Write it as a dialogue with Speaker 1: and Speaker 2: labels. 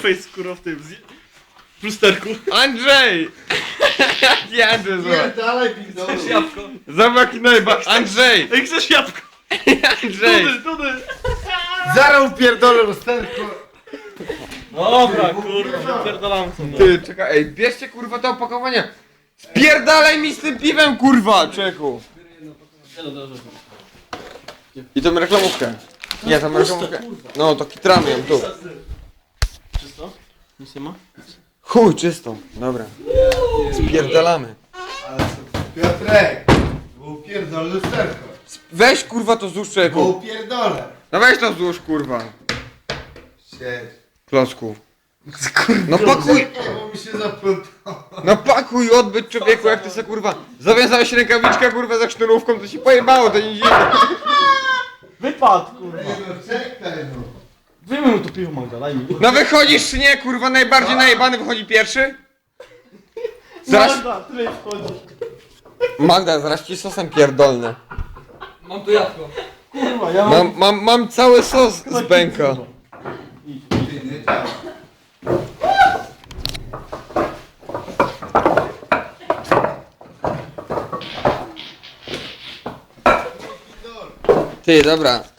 Speaker 1: Scarface, kurwa, w tym, w lusterku.
Speaker 2: Andrzej! Jaki Andrzej,
Speaker 3: Nie,
Speaker 2: zobacz.
Speaker 3: dalej pizdo.
Speaker 1: Jabłko.
Speaker 2: Zobacz jaki najba... Andrzej!
Speaker 1: Ej, chcesz jabłko?
Speaker 2: Andrzej!
Speaker 1: Dudy.
Speaker 3: Zaraz pierdolę lusterko.
Speaker 1: Dobra, kurwa, wypierdolam sobie.
Speaker 2: Ty, czekaj, ej, bierzcie kurwa te opakowania! Spierdalaj mi z tym piwem, kurwa, czeku! I tą reklamówkę. Nie, tą reklamówkę. No, to kitramy ją tu.
Speaker 1: Czysto? Nic nie ma?
Speaker 2: Chuj, czysto. Dobra. Spierdalamy.
Speaker 3: Piotrek, bo pierdolę lusterko.
Speaker 2: Weź kurwa to złóż,
Speaker 3: Bo
Speaker 2: czeku.
Speaker 3: pierdolę.
Speaker 2: No weź to złóż, kurwa.
Speaker 3: Siedź.
Speaker 2: Klocku. No pakuj!
Speaker 3: Czekaj, bo mi się zaplątało.
Speaker 2: No pakuj odbyt człowieku, jak ty se kurwa zawiązałeś rękawiczkę kurwa za sznurówką, to się pojebało, to nie dziwne.
Speaker 1: Wypadł, kurwa.
Speaker 3: Ej, no czekaj no.
Speaker 1: Wyjmij mu to piwo, Magda, daj mi.
Speaker 2: No wychodzisz czy nie, kurwa, najbardziej najebany wychodzi pierwszy? Zaraz...
Speaker 1: Magda, tyle wchodzi.
Speaker 2: Magda, zaraz ci sosem pierdolny.
Speaker 1: Mam tu jabłko. Kurwa, ja
Speaker 2: Mam cały sos z bęka.
Speaker 3: Ty nie działa.
Speaker 2: Ty, dobra.